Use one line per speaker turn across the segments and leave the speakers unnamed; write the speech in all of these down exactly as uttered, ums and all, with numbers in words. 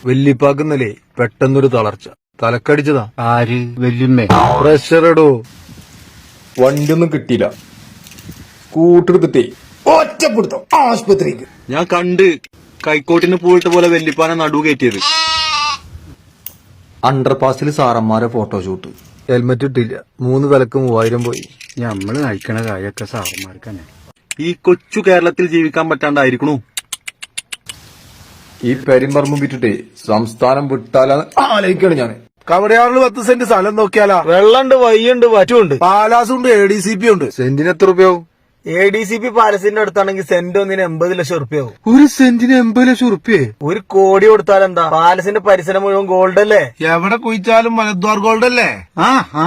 വെല്ലിപ്പാക്കുന്നല്ലേ പെട്ടെന്നൊരു തളർച്ച, തലക്കടിച്ചതാ.
ആര്? വല്യമ്മേ?
പ്രഷർ ഇടോ. വണ്ടിയൊന്നും കിട്ടിയില്ല. സ്കൂട്ടർ എടുത്തിട്ടേ ഒറ്റപ്പെടുത്തോ ആശുപത്രിക്ക്.
ഞാൻ കണ്ട് കൈക്കോട്ടിന് പൂവിട്ട പോലെ വെല്ലിപ്പാനെ നടു കയറ്റിയത്.
അണ്ടർപാസിൽ സാറന്മാരെ ഫോട്ടോഷൂട്ട്. ഹെൽമെറ്റ് ഇട്ടില്ല. മൂന്ന് വിലക്ക് മൂവായിരം പോയി.
ഞമ്മള് നയിക്കണ കാര്യമൊക്കെ സാറന്മാർക്കന്നെ.
ഈ കൊച്ചു കേരളത്തിൽ ജീവിക്കാൻ പറ്റാണ്ടായിരിക്കണു.
ഈ പെരുമ്പറമ്പും വിറ്റിട്ടേ സംസ്ഥാനം വിട്ടാലാണ് ആലോചിക്കാണ് ഞാൻ.
കവടയാറിൽ പത്ത് സെന്റ് സ്ഥലം നോക്കിയാലാ.
വെള്ളണ്ട്, വയ്യുണ്ട്, വറ്റുണ്ട്,
പാലാസുണ്ട്, എ ഡി സി പി ഉണ്ട്.
സെന്റിന് എത്ര രൂപയാവും?
എ ഡി സി പി പാലസിന്റെ അടുത്താണെങ്കിൽ സെന്റ് ഒന്നിന് എൺപത് ലക്ഷം റുപ്യാവും.
ഒരു സെന്റിന് എൺപത് ലക്ഷം റുപ്യേ?
ഒരു കോടി കൊടുത്താൽ എന്താ? പാലസിന്റെ പരിസരം മുഴുവൻ ഗോൾഡ് അല്ലേ?
എവിടെ കുഴിച്ചാലും മലദ്വാർ ഗോൾഡ് അല്ലേ?
ആ ആ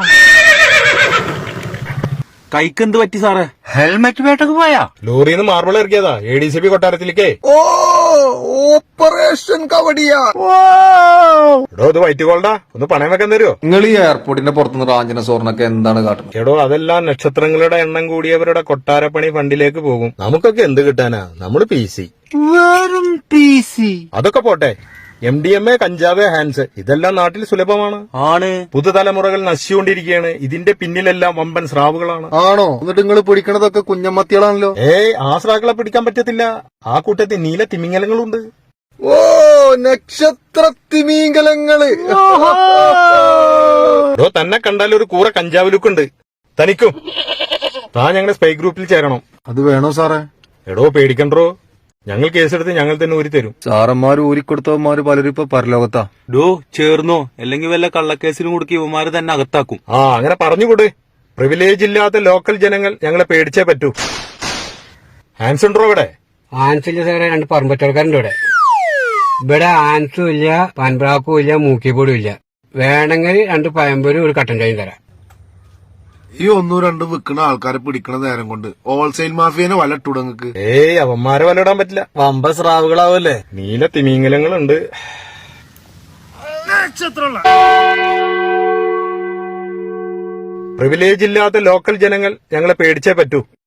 കൈക്കെന്ത് പറ്റി സാറേ?
ഹെൽമെറ്റ് വേട്ടക്ക് പോയാ?
ലോറിന്ന് മാർബിൾ ഇറക്കിയതാ എ ഡി സി പി കൊട്ടാരത്തിലേക്ക്.
ഓ ഓപ്പറേഷൻ കവടിയാ.
എടോ, ഇത് വൈറ്റ് ഗോൾഡാ, ഒന്ന് പണയം വെക്കാൻ തരുമോ?
നിങ്ങൾ ഈ എയർപോർട്ടിന്റെ പുറത്തുനിന്ന് റാഞ്ചന സ്വർണ്ണൊക്കെ എന്താണ് കാട്ടുന്നത്?
എടോ, അതെല്ലാം നക്ഷത്രങ്ങളുടെ എണ്ണം കൂടിയവരുടെ കൊട്ടാരപ്പണി ഫണ്ടിലേക്ക് പോകും. നമുക്കൊക്കെ എന്ത് കിട്ടാനാ? നമ്മള് പി സി.
വെറും പി സി.
അതൊക്കെ പോട്ടെ, എം ഡി എം എ, കഞ്ചാവ്, ഹാൻസ് ഇതെല്ലാം നാട്ടിൽ സുലഭമാണ്.
ആണ്.
പുതുതലമുറകൾ നശിച്ചുകൊണ്ടിരിക്കുകയാണ്. ഇതിന്റെ പിന്നിലെല്ലാം വമ്പൻ സ്രാവുകളാണ്.
ആണോ? എന്നിട്ട് നിങ്ങൾ പിടിക്കണതൊക്കെ കുഞ്ഞമ്മത്തികളാണല്ലോ.
ഏയ്, ആ സ്രാക്കളെ പിടിക്കാൻ പറ്റത്തില്ല. ആ കൂട്ടത്തിൽ നീല തിമിങ്ങലങ്ങളുണ്ട്.
ഓ, നക്ഷത്ര തിമീങ്കലങ്ങള്.
എടോ, തന്നെ കണ്ടാൽ ഒരു കൂറ കഞ്ചാവ് ലുക്കുണ്ട് തനിക്കും. താ ഞങ്ങളുടെ സ്പൈ ഗ്രൂപ്പിൽ ചേരണം.
അത് വേണോ സാറേ?
എടോ, പേടിക്കണ്ടോ, ഞങ്ങൾ കേസെടുത്ത് ഞങ്ങൾ തന്നെ ഊരി തരും.
സാറന്മാര് ഊരിക്കൊടുത്തവന്മാര് പലരും ഇപ്പൊ പരലോകത്താ.
ഡോ ചേർന്നോ, അല്ലെങ്കിൽ വല്ല കള്ളക്കേസിലും കൊടുക്കി ഇവന്മാര് തന്നെ അകത്താക്കും.
ആ, അങ്ങനെ പറഞ്ഞുകൂടെ. പ്രിവിലേജ് ഇല്ലാത്ത ലോക്കൽ ജനങ്ങൾ ഞങ്ങളെ പേടിച്ചേ പറ്റൂ. ഹാൻസ് ഉണ്ടോ ഇവിടെ?
ആൻസില്ല സാറേ, രണ്ട് പറമ്പത്തോടക്കാരുണ്ട് ഇവിടെ. ഇവിടെ ആൻസും ഇല്ല, പാൻപ്രാക്കും ഇല്ല, മൂക്കിപ്പൊടിയും ഇല്ല. വേണമെങ്കിൽ രണ്ട് പയമ്പൊരും ഒരു കട്ടൻ ചായയും തരാം.
ഈ ഒന്നും രണ്ടും വിൽക്കുന്ന ആൾക്കാരെ പിടിക്കണ നേരം കൊണ്ട് ഹോൾസെയിൽ മാഫിയനെ വല ഇട്ടുടങ്ങക്ക്.
ഏയ്, അവന്മാരെ വലയിടാൻ പറ്റില്ല.
വമ്പ സ്രാവുകളാവല്ലേ.
നീല തിമിങ്ങലങ്ങളുണ്ട്. പ്രിവിലേജ് ഇല്ലാത്ത ലോക്കൽ ജനങ്ങൾ ഞങ്ങളെ പേടിച്ചേ പറ്റൂ.